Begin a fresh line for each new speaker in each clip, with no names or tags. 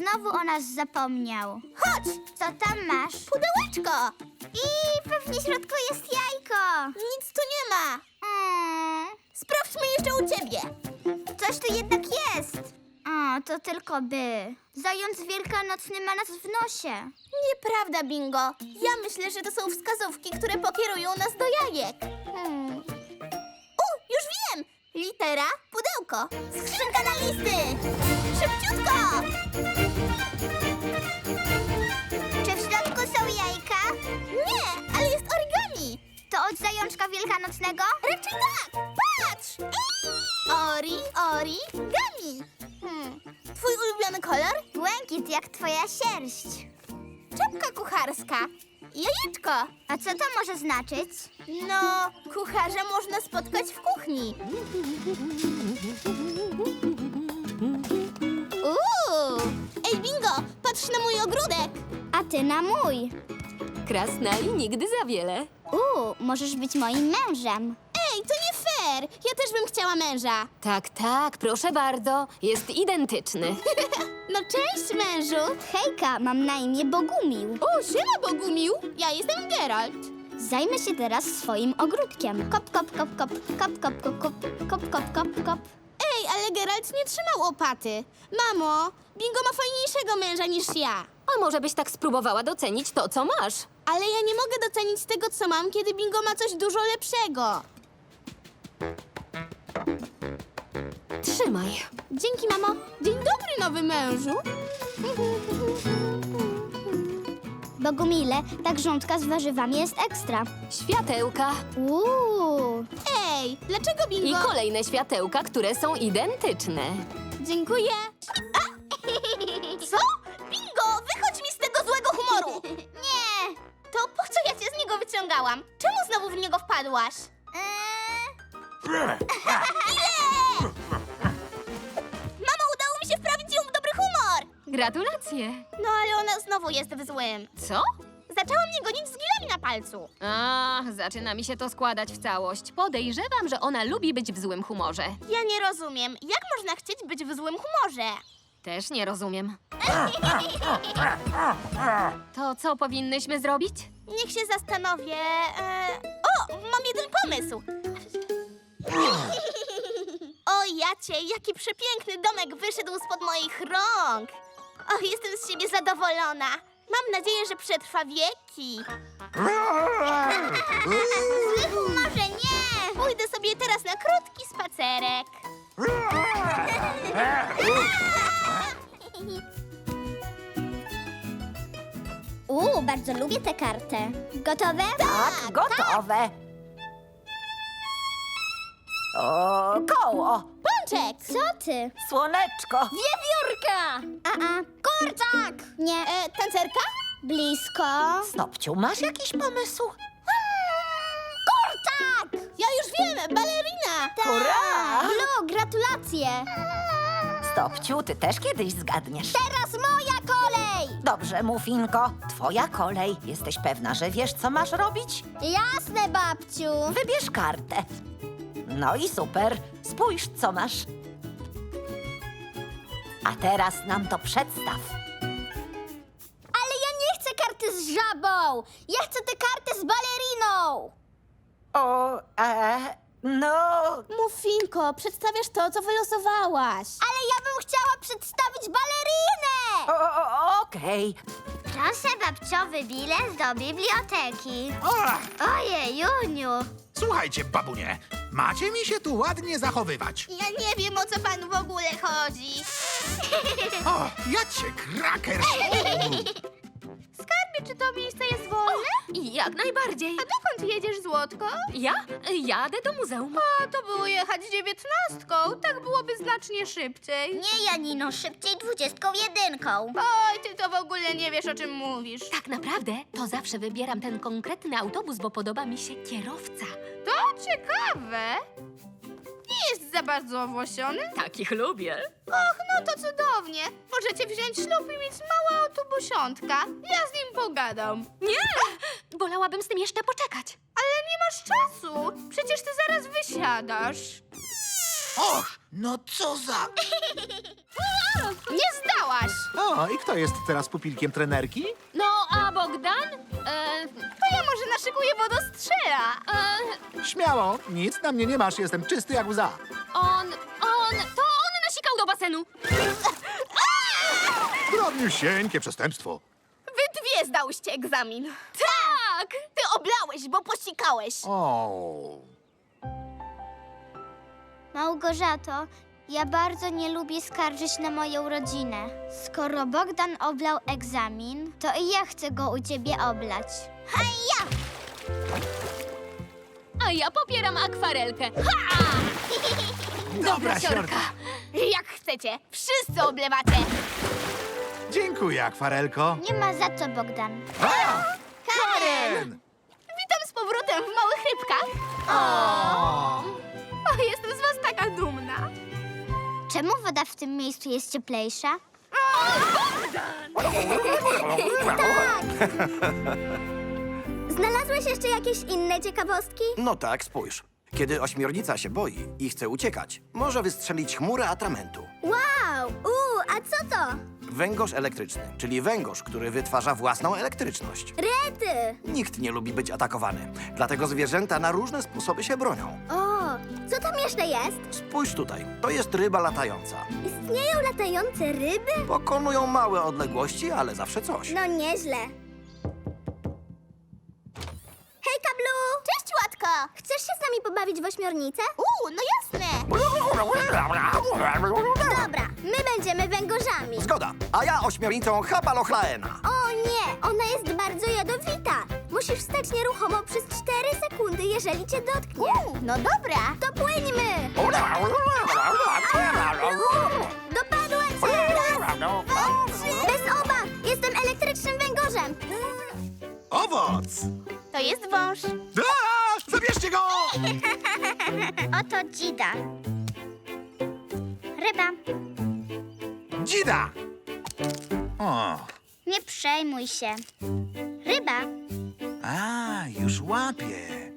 znowu o nas zapomniał.
Chodź!
Co tam masz?
Pudełeczko!
I pewnie w środku jest jajko.
Nic tu nie ma. Sprawdźmy jeszcze u ciebie.
Coś tu jednak jest. O, to tylko by. Zając wielkanocny ma nas w nosie.
Nieprawda, Bingo. Ja myślę, że to są wskazówki, które pokierują nas do jajek. Już wiem! Litera, pudełko. Skrzynka na listy. Szybciutko!
Czy w środku są jajka?
Nie, ale jest origami.
To od zajączka wielkanocnego?
Raczej tak. Patrz! Origami. Twój ulubiony kolor?
Błękit jak twoja sierść.
Czapka kucharska. Jajeczko.
A co to może znaczyć?
No, kucharza można spotkać w kuchni. Ej, Bingo, patrz na mój ogródek.
A ty na mój.
Krasnali nigdy za wiele.
Możesz być moim mężem.
Ej, to nie fair. Ja też bym chciała męża.
Tak, tak, proszę bardzo. Jest identyczny.
No cześć, mężu.
Hejka, mam na imię Bogumił.
O, siema, Bogumił. Ja jestem Geralt.
Zajmę się teraz swoim ogródkiem. Kop, kop, kop, kop, kop, kop, kop, kop, kop, kop, kop, kop.
Ej, ale Geralt nie trzymał łopaty. Mamo, Bingo ma fajniejszego męża niż ja.
A może byś tak spróbowała docenić to, co masz?
Ale ja nie mogę docenić tego, co mam, kiedy Bingo ma coś dużo lepszego.
Trzymaj.
Dzięki, mamo. Dzień dobry, nowy mężu.
Bogumile, ta grządka z warzywami jest ekstra.
Światełka.
Ej, dlaczego
I
Bingo?
kolejne światełka, które są identyczne.
Dziękuję. Co? Bingo, wychodź mi z tego złego humoru.
Nie!
To po co ja cię z niego wyciągałam? Czemu znowu w niego wpadłaś? Mamo, udało mi się wprawić ją w dobry humor.
Gratulacje.
No ale ona znowu jest w złym.
Co?
Zaczęła mnie gonić z gilami na palcu.
A, zaczyna mi się to składać w całość. Podejrzewam, że ona lubi być w złym humorze.
Ja nie rozumiem, jak można chcieć być w złym humorze?
Też nie rozumiem. To co powinnyśmy zrobić?
Niech się zastanowię. O, mam jeden pomysł. O, Jacie, jaki przepiękny domek wyszedł spod moich rąk. O, jestem z siebie zadowolona. Mam nadzieję, że przetrwa wieki.
Zły humorze, nie!
Pójdę sobie teraz na krótki spacerek.
Bardzo lubię tę kartę. Gotowe?
Tak, gotowe. O, koło,
Pączek!
Co ty?
słoneczko.
Wiewiórka! Kurczak! Nie,
Tancerka?
blisko.
Stopciu, masz jakiś pomysł?
Kurczak!
Ja już wiem, balerina!
Hurra!
Lu, gratulacje!
Stopciu, ty też kiedyś zgadniesz.
Teraz moja kolej!
Dobrze, Mufinko, twoja kolej. Jesteś pewna, że wiesz, co masz robić?
Jasne, babciu.
Wybierz kartę. No i super. Spójrz, co masz. A teraz nam to przedstaw.
Ale ja nie chcę karty z żabą! Ja chcę tę kartę z baleriną!
O, no...
Mufinko, przedstawiasz to, co wylosowałaś.
Ale ja bym chciała przedstawić balerinę!
Okej.
Proszę babciowy bilet do biblioteki.
O,
Ojej, Juniu.
słuchajcie, babunie, macie mi się tu ładnie zachowywać.
Ja nie wiem, o co panu w ogóle chodzi.
O, ja cię, kraker!
Skarbie, czy to miejsce jest wolne?
Jak najbardziej.
A dokąd jedziesz, Złotko?
Ja jadę do muzeum.
A to było jechać 19. Tak byłoby znacznie szybciej.
Nie, Janino, szybciej 21.
Oj, ty to w ogóle nie wiesz, o czym mówisz.
Tak naprawdę to zawsze wybieram ten konkretny autobus, bo podoba mi się kierowca.
To ciekawe. Nie jest za bardzo owłosiony?
Takich lubię.
Och, no to cudownie. Możecie wziąć ślub i mieć małe autobusiątka. Ja z nim pogadam.
Nie! Wolałabym z tym jeszcze poczekać.
Ale nie masz czasu. Przecież ty zaraz wysiadasz.
Och, no co za...
Nie zdałaś!
O, i kto jest teraz pupilkiem trenerki?
No, a Bogdan?
To ja może naszykuję wodostrzela.
Śmiało, nic na mnie nie masz, jestem czysty jak łza.
To on nasikał do basenu.
Drobniusieńkie przestępstwo.
Wy dwie zdałyście egzamin.
Tak!
Ty oblałeś, bo posikałeś.
O.
Małgorzato, ja bardzo nie lubię skarżyć na moją rodzinę. Skoro Bogdan oblał egzamin, to i ja chcę go u ciebie oblać.
A ja popieram akwarelkę.
Dobra, siorka.
Jak chcecie, wszyscy oblewacie.
Dziękuję, akwarelko.
Nie ma za co, Bogdan.
A! Karen!
Witam z powrotem w małych rybkach.
O!
O, jestem z was taka dumna.
Czemu woda w tym miejscu jest cieplejsza?
Znalazłeś jeszcze jakieś inne ciekawostki?
No tak, spójrz. Kiedy ośmiornica się boi i chce uciekać, może wystrzelić chmurę atramentu.
Wow! A co to?
Węgorz elektryczny, czyli węgorz, który wytwarza własną elektryczność.
Rety!
Nikt nie lubi być atakowany, dlatego zwierzęta na różne sposoby się bronią.
O, co tam jeszcze jest?
Spójrz tutaj, to jest ryba latająca.
Istnieją latające ryby?
Pokonują małe odległości, ale zawsze coś.
No nieźle. Hej, Kablu!
Cześć, Łatko.
Chcesz się z nami pobawić w ośmiornicę?
No jasne.
Dobra, my będziemy węgorzami.
Zgoda, a ja ośmiornicą Hapalochlaena.
O nie, ona jest bardzo jadowita. Musisz stać nieruchomo przez 4 sekundy, jeżeli cię dotknie.
No dobra.
To płyńmy! Dopadła cię! Raz, dwa, trzy. Bez obaw! Jestem elektrycznym węgorzem.
Owoc!
To jest wąż.
A! Zabierzcie go!
Oto dzida. Ryba,
Dzida! O,
nie przejmuj się. Ryba,
a, już łapię.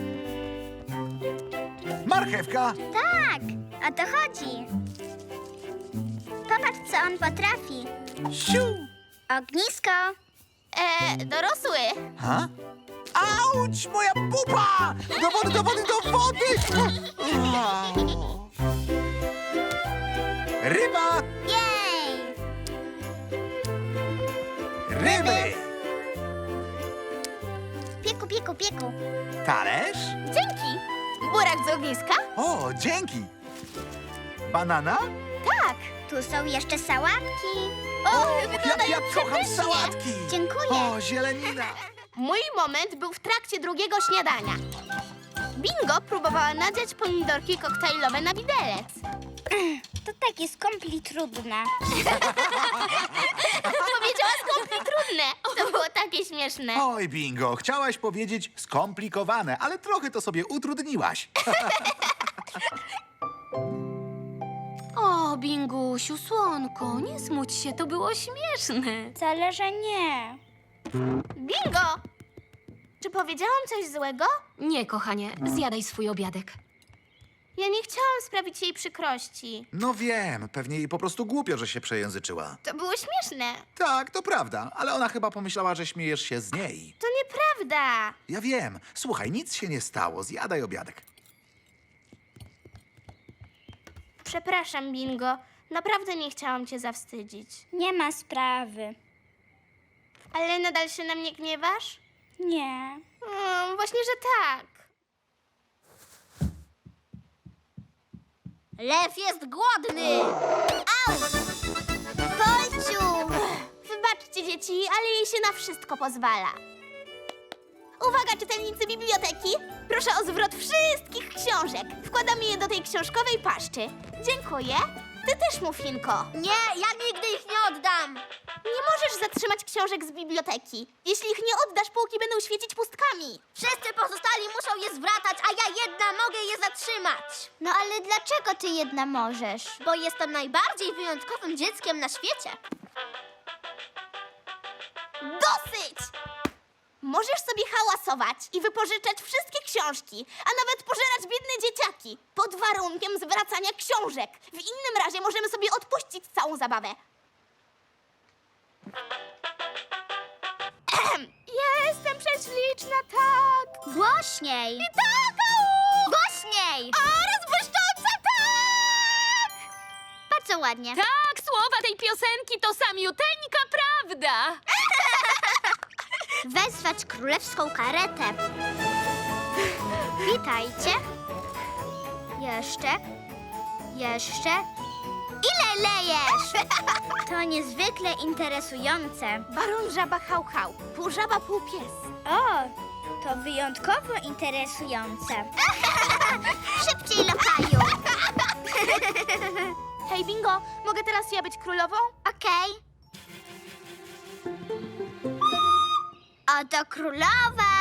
Marchewka!
tak, o to chodzi. Popatrz, co on potrafi.
Siu!
Ognisko.
Dorosły.
Ha? Auć, moja pupa! Do wody, do wody, do wody! O. Ryba!
Jej!
Ryby!
Pieku, pieku, pieku.
Talerz?
Dzięki. Burak z ogniska?
O, dzięki! Banana?
Tak.
Tu są jeszcze sałatki.
Ja kocham sałatki!
Dziękuję.
O, zielenina!
Mój moment był w trakcie drugiego śniadania. Bingo próbowała nadziać pomidorki koktajlowe na widelec.
To takie skąpli trudne.
Powiedziała skąpli trudne. To było takie śmieszne.
Oj, bingo, chciałaś powiedzieć skomplikowane, ale trochę to sobie utrudniłaś.
O, Bingusiu, słonko, nie smuć się, to było śmieszne.
Wcale, że nie.
Bingo! Czy powiedziałam coś złego?
Nie, kochanie, zjadaj swój obiadek.
Ja nie chciałam sprawić jej przykrości.
No wiem, pewnie jej po prostu głupio, że się przejęzyczyła.
To było śmieszne.
Tak, to prawda, ale ona chyba pomyślała, że śmiejesz się z niej.
To nieprawda.
Ja wiem. Słuchaj, nic się nie stało, zjadaj obiadek.
Przepraszam, Bingo. Naprawdę nie chciałam cię zawstydzić.
Nie ma sprawy.
Ale nadal się na mnie gniewasz?
Nie.
Właśnie, że tak.
Lew jest głodny!
Polciu! Wybaczcie, dzieci, ale jej się na wszystko pozwala. Uwaga, czytelnicy biblioteki! Proszę o zwrot wszystkich książek. Wkładamy je do tej książkowej paszczy. Dziękuję. Ty też, Muffinko.
Nie, ja nigdy ich nie oddam!
Nie możesz zatrzymać książek z biblioteki. Jeśli ich nie oddasz, półki będą świecić pustkami.
Wszyscy pozostali muszą je zwracać, a ja jedna mogę je zatrzymać.
No ale dlaczego ty jedna możesz?
Bo jestem najbardziej wyjątkowym dzieckiem na świecie.
Dosyć! Możesz sobie hałasować i wypożyczać wszystkie książki, a nawet pożerać biedne dzieciaki, pod warunkiem zwracania książek. W innym razie możemy sobie odpuścić całą zabawę. Jestem prześliczna, tak!
Głośniej!
I tak!
Głośniej!
A, rozbłyszcząca, tak!
Bardzo ładnie.
Tak, słowa tej piosenki to samiuteńka prawda.
Wezwać królewską karetę. Witajcie. Jeszcze. Ile lejesz? To niezwykle interesujące.
Baron Żaba Hał Hał, pół żaba, pół pies.
O, to wyjątkowo interesujące. Szybciej, lokaju.
Hej, Bingo, mogę teraz ja być królową?
Okej. Oto królowa.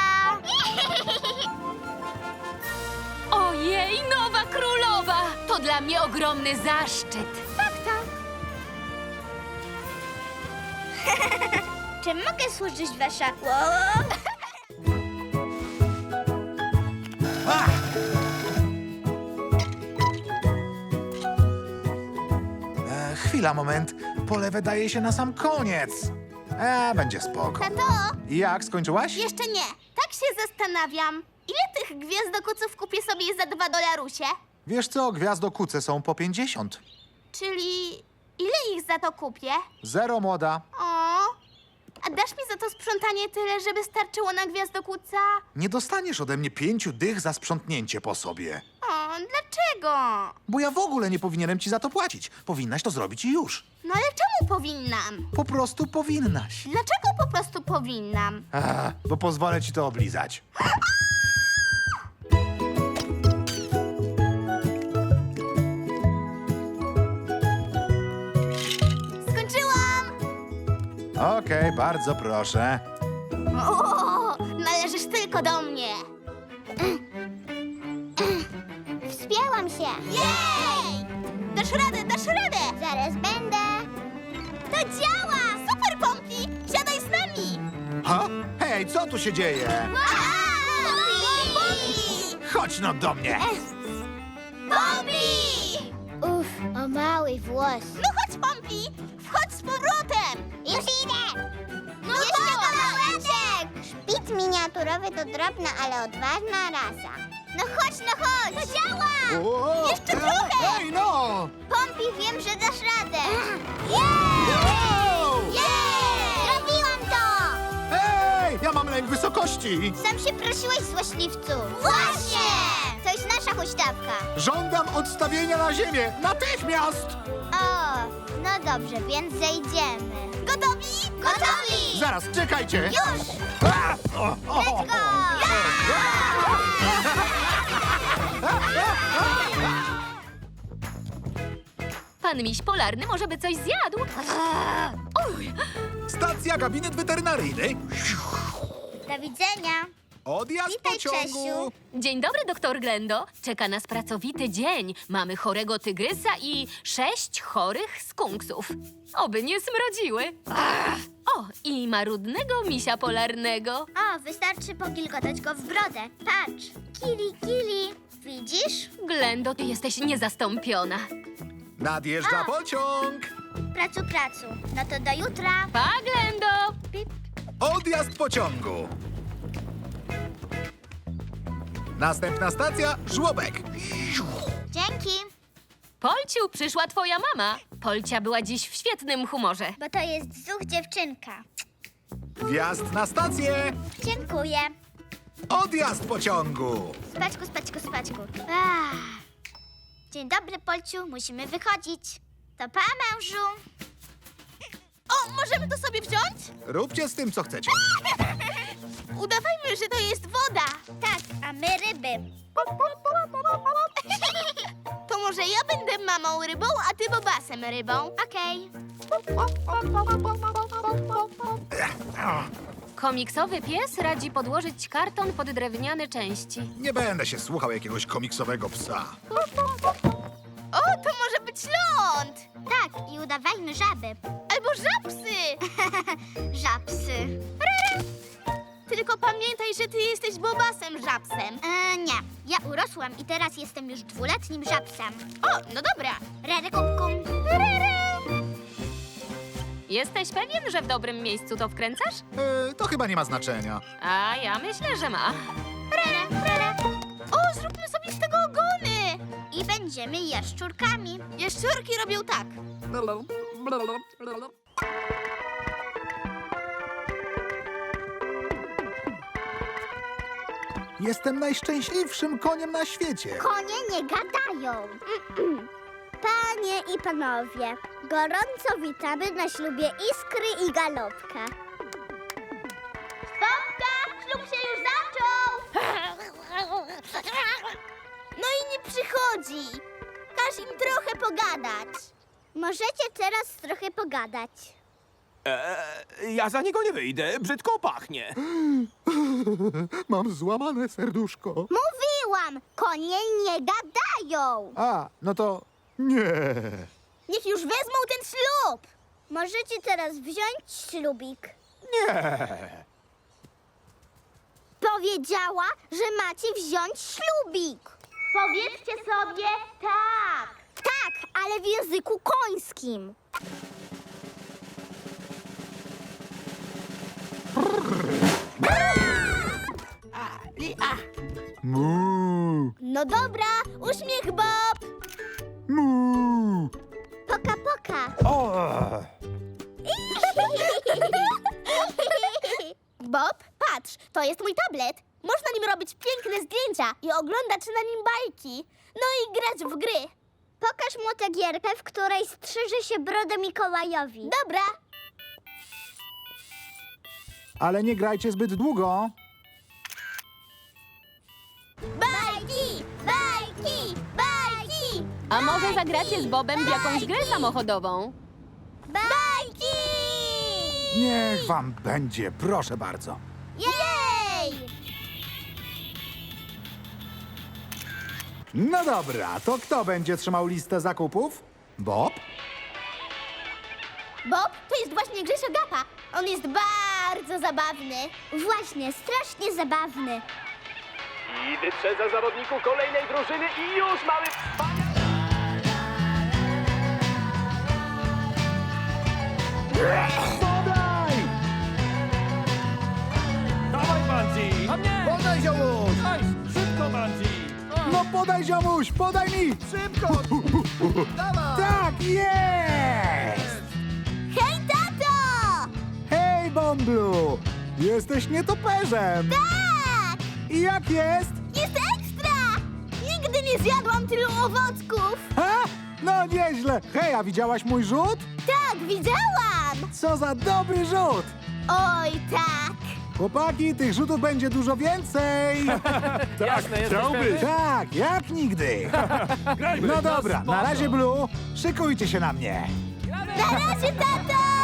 Ojej, nowa królowa! To dla mnie ogromny zaszczyt.
Czy mogę służyć wasza...
Chwila, moment. Pole wydaje się na sam koniec. Będzie spoko.
Tato,
Jak, skończyłaś?
jeszcze nie. Tak się zastanawiam. Ile tych gwiazdokuców kupię sobie za $2?
Wiesz co, gwiazdokuce są po 50.
Czyli ile ich za to kupię?
0, młoda.
O, a dasz mi za to sprzątanie tyle, żeby starczyło na gwiazdokuca?
Nie dostaniesz ode mnie 5 dych za sprzątnięcie po sobie.
O, dlaczego?
Bo ja w ogóle nie powinienem ci za to płacić. Powinnaś to zrobić i już.
No ale czemu powinnam?
Po prostu powinnaś.
Dlaczego po prostu powinnam?
Bo pozwolę ci to oblizać.
Skończyłam!
Okej, bardzo proszę.
O, należysz tylko do mnie.
Wspięłam się.
Jej! Dasz radę, dasz radę!
Zaraz będę.
To działa! Super, Pompi! Siadaj z nami!
Ha? Hej, co tu się dzieje?
Pompi!
Chodź no do mnie.
Pompi!
Uff, o mały włos.
No chodź, Pompi! Wchodź z powrotem!
Już idę.
No
Jeszcze
to!
kawałeczek. Szpic miniaturowy to drobna, ale odważna rasa. No chodź, no chodź. To działa.
O,
Jeszcze trochę!
Hej, no!
Pompi, wiem, że dasz radę.
Wow!
Zrobiłam to.
Hej, ja mam lęk wysokości.
Sam się prosiłeś, złośliwcu.
Właśnie.
To jest nasza huśtawka.
Żądam odstawienia na ziemię. Natychmiast!
O, no dobrze, więc zejdziemy.
Gotowi? Gotowi!
Zaraz, czekajcie.
Już!
Let's go!
Pan miś polarny może by coś zjadł. Uj,
Stacja, gabinet weterynaryjny.
Do widzenia.
Odjazd
Witaj,
pociągu.
Czesiu.
dzień dobry, doktor Glendo. Czeka nas pracowity dzień. Mamy chorego tygrysa i 6 chorych skunksów. Oby nie smrodziły. O, i marudnego misia polarnego.
O, wystarczy pogilgotać go w brodę. Patrz. Kili. Widzisz?
Glendo, ty jesteś niezastąpiona.
Nadjeżdża pociąg.
Pracu. No to do jutra.
Pa, Glendo!
Pip.
Odjazd pociągu. Następna stacja, żłobek.
Dzięki,
Polciu, przyszła twoja mama. Polcia była dziś w świetnym humorze.
bo to jest zuch dziewczynka.
Wjazd na stację.
Dziękuję.
Odjazd pociągu.
Spaczku. Dzień dobry, Polciu. Musimy wychodzić. To pa, mężu.
O, możemy to sobie wziąć?
Róbcie z tym, co chcecie.
Udawajmy, że to jest woda.
Tak, a my ryby.
To może ja będę mamą rybą, a ty bobasem rybą.
Okej.
Komiksowy pies radzi podłożyć karton pod drewniane części.
Nie będę się słuchał jakiegoś komiksowego psa.
O, to może być ląd!
Tak, i udawajmy żaby.
Albo żabsy!
Żabsy.
Tylko pamiętaj, że ty jesteś Bobasem żabsem.
Nie, ja urosłam i teraz jestem już 2-letnim żabsem.
O, no dobra.
Rere kum kum.
Jesteś pewien, że w dobrym miejscu to wkręcasz?
To chyba nie ma znaczenia.
A ja myślę, że ma.
O, zróbmy sobie z tego ogony.
I będziemy jaszczurkami.
Jaszczurki robią tak.
Jestem najszczęśliwszym koniem na świecie.
Konie nie gadają. Panie i panowie, gorąco witamy na ślubie Iskry i Galopka.
Stopka, ślub się już zaczął. No i nie przychodzi. Każ im trochę pogadać.
Możecie teraz trochę pogadać.
Ja za niego nie wyjdę, brzydko pachnie.
Mam złamane serduszko.
Mówiłam, konie nie gadają.
A, no to nie.
Niech już wezmą ten ślub.
Możecie teraz wziąć ślubik.
Nie.
Powiedziała, że macie wziąć ślubik.
Powiedzcie sobie tak.
Tak, ale w języku końskim.
Mu.
No dobra, uśmiech Bob.
Mu.
Poka, poka.
O.
Bob, patrz, to jest mój tablet. Można nim robić piękne zdjęcia i oglądać na nim bajki. No i grać w gry.
Pokaż mu tę gierkę, w której strzyże się brodę Mikołajowi.
Dobra.
Ale nie grajcie zbyt długo.
Bajki, bajki, bajki,
A może zagracie z Bobem w jakąś grę samochodową?
bajki!
Niech wam będzie, proszę bardzo.
Jej!
No dobra, to kto będzie trzymał listę zakupów? Bob?
Bob to jest właśnie Grzesio Gapa. On jest bardzo zabawny.
Właśnie, strasznie zabawny.
I wyprzedza zawodniku kolejnej drużyny i już mamy...
Podaj!
Dawaj, Manzi! A mnie!
Podaj, ziomuś!
Daj, szybko, Manzi!
No podaj, ziomuś, podaj mi!
Szybko! Dawaj!
Tak, jest!
Hej, tato!
Hej, Bąblu! Jesteś nietoperzem!
Tak!
I jak jest?
Jest ekstra! Nigdy nie zjadłam tylu owocków.
Ha? No nieźle! Hej, a widziałaś mój rzut?
Tak, widziałam!
Co za dobry rzut!
Oj, tak!
Chłopaki, tych rzutów będzie dużo więcej!
Jasne, jesteś
Tak, jak nigdy! No dobra, na razie, Blue, szykujcie się na mnie!
Na razie, tato!